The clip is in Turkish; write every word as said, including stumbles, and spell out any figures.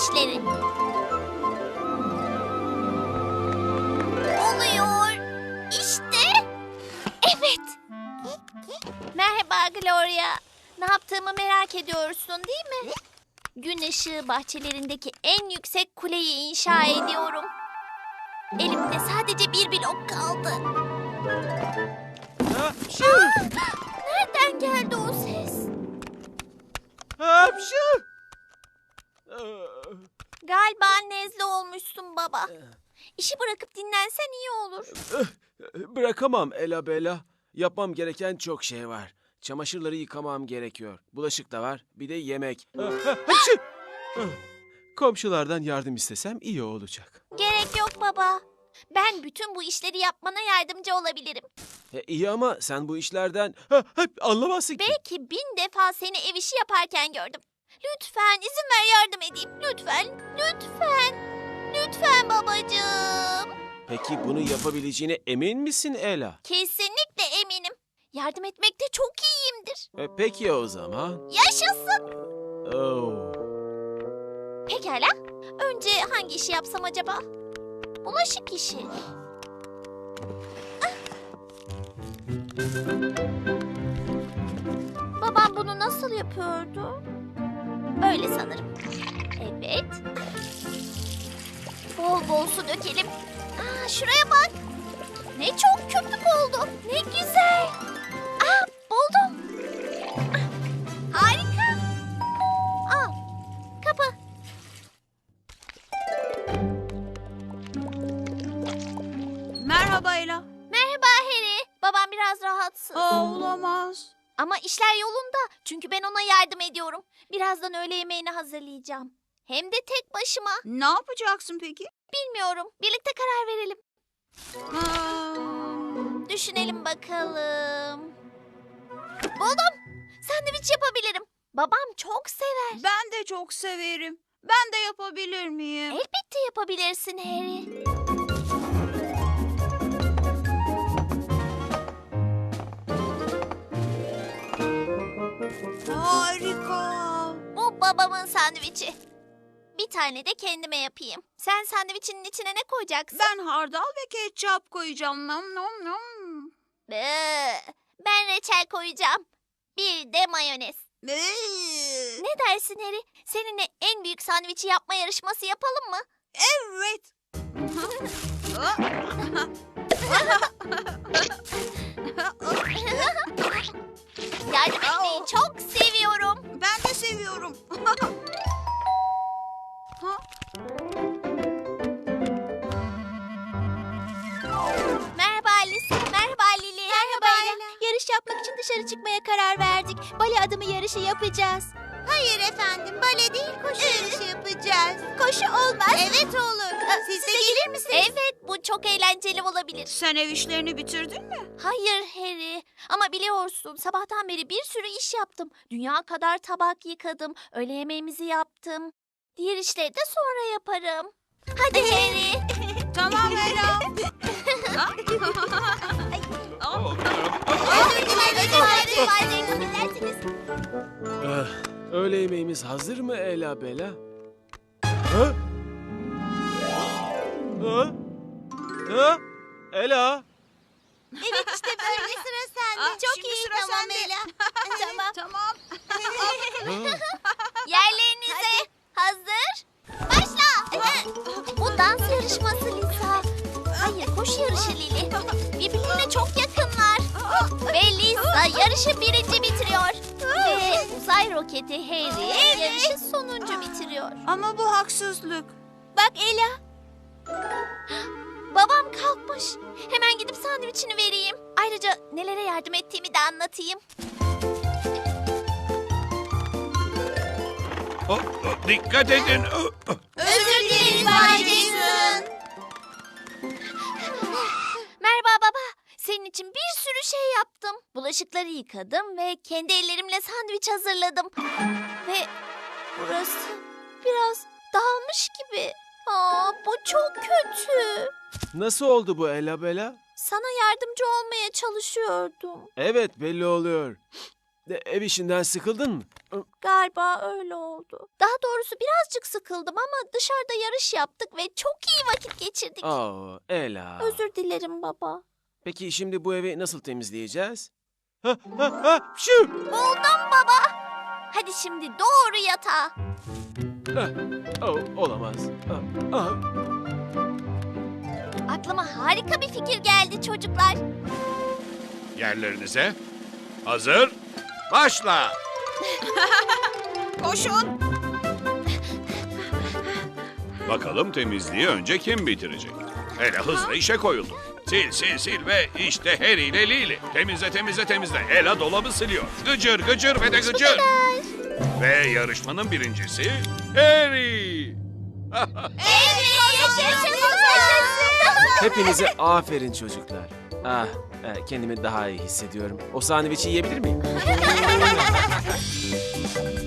işleri. Oluyor. İşte. Evet. Merhaba Gloria. Ne yaptığımı merak ediyorsun değil mi? Gün ışığı bahçelerindeki en yüksek kuleyi inşa ediyorum. Elimde sadece bir blok kaldı. Hapşu! Nereden geldi o ses? Hapşu! Galiba nezle olmuşsun baba. İşi bırakıp dinlensen iyi olur. Bırakamam Ela Bela. Yapmam gereken çok şey var. Çamaşırları yıkamam gerekiyor. Bulaşık da var. Bir de yemek. Hapşu! Komşulardan yardım istesem iyi olacak. Gerek yok baba. Ben bütün bu işleri yapmana yardımcı olabilirim. E, iyi ama sen bu işlerden ha, hep anlamazsın ki. Belki bin defa seni ev işi yaparken gördüm. Lütfen izin ver yardım edeyim. Lütfen, lütfen, lütfen babacığım. Peki bunu yapabileceğine emin misin Ela? Kesinlikle eminim. Yardım etmekte çok iyiyimdir. E, peki o zaman. Yaşasın. Oh. Pekala. Önce hangi işi yapsam acaba? Bulaşık işi. Ah! Babam bunu nasıl yapıyordu? Öyle sanırım. Evet. Bol bol su dökelim. Aa, şuraya bak. Ne çok köpük oldu. Ne güzel. Aa, buldum. Ah, harika. Al. Kapı. Merhaba Ela. Merhaba Harry. Babam biraz rahatsız. Aa, olamaz. Ama işler yolunda. Çünkü ben ona yardım ediyorum. Birazdan öğle yemeğini hazırlayacağım. Hem de tek başıma. Ne yapacaksın peki? Bilmiyorum. Birlikte karar verelim. Aa, Düşünelim bakalım. Buldum. Sandviç yapabilirim. Babam çok sever. ben de çok severim. Ben de yapabilir miyim? Elbette yapabilirsin Harry. Harika. Bu babamın sandviçi. Bir tane de kendime yapayım. Sen sandviçinin içine ne koyacaksın? Ben hardal ve ketçap koyacağım. Nom nom nom. Bıı, Ben reçel koyacağım. Bir de mayonez. Ee, Ne dersin Harry? Seninle en büyük sandviçi yapma yarışması yapalım mı? Evet. Yardım etmeyi çok seviyorum. Ben de seviyorum. Ha? Merhaba Alice. Merhaba Lili. Merhaba Yarış yapmak için dışarı çıkmaya karar verdik. Bale adımı yarışı yapacağız. Hayır efendim. Bale değil koşu yarışı yapacağız. Koşu olmaz. Evet olur. Siz, de gelir misiniz? Evet. Bu çok eğlenceli olabilir. Sen ev işlerini bitirdin mi? Hayır Harry. Ama biliyorsun sabahtan beri bir sürü iş yaptım. Dünya kadar tabak yıkadım. Öğle yemeğimizi yaptım. Diğer işleri de sonra yaparım. Hadi Harry. Tamam Ela. Ha? Özür dilerim. Özür dilerim. Eh, öğle yemeğimiz hazır mı Ela Bela? Ha? Ha? Ha? Ela? Evet işte böyle sıra sende. Aa, Çok şimdi iyi sıra tamam sende. Ela. Tamam. Tamam. Ha? Yerlerinize hazır. Başla. Bu dans yarışması Lisa. Hayır koşu yarışı Lili. Birbirine çok yakınlar. Ve Lisa yarışı birinci bitiriyor. Ve uzay roketi Harry yarışı sonuncu bitiriyor. Ama bu haksızlık. Bak Ela. Babam kalkmış. Hemen gidip sandviçini vereyim. Ayrıca nelere yardım ettiğimi de anlatayım. Oh, oh, dikkat edin. Oh, oh. Özür dileriz Bay Jason. Merhaba baba. Senin için bir sürü şey yaptım. Bulaşıkları yıkadım ve kendi ellerimle sandviç hazırladım. Ve burası biraz dağılmış gibi. Aa, bu çok kötü. Nasıl oldu bu Ela Bela? Sana yardımcı olmaya çalışıyordum. Evet belli oluyor. E, Ev işinden sıkıldın mı? Galiba öyle oldu. Daha doğrusu birazcık sıkıldım ama dışarıda yarış yaptık ve çok iyi vakit geçirdik. Aa, Ela. Özür dilerim baba. Peki şimdi bu evi nasıl temizleyeceğiz? Ha, ha, ha, şu. Buldum baba. Hadi şimdi doğru yatağa. Ah, oh, olamaz. Ah, ah. Aklıma harika bir fikir geldi çocuklar. Yerlerinize. Hazır. Başla. Koşun. Bakalım temizliği önce kim bitirecek? Ela hızla işe koyuldu. Sil sil sil ve işte Harry ile Lili. Temizle temizle temizle. Ela dolabı siliyor. Gıcır gıcır ve de gıcır. Ve yarışmanın birincisi Harry. Evet, yaşasın. Hepinize aferin çocuklar. Ah, e, kendimi daha iyi hissediyorum. O sandviçi yiyebilir miyim?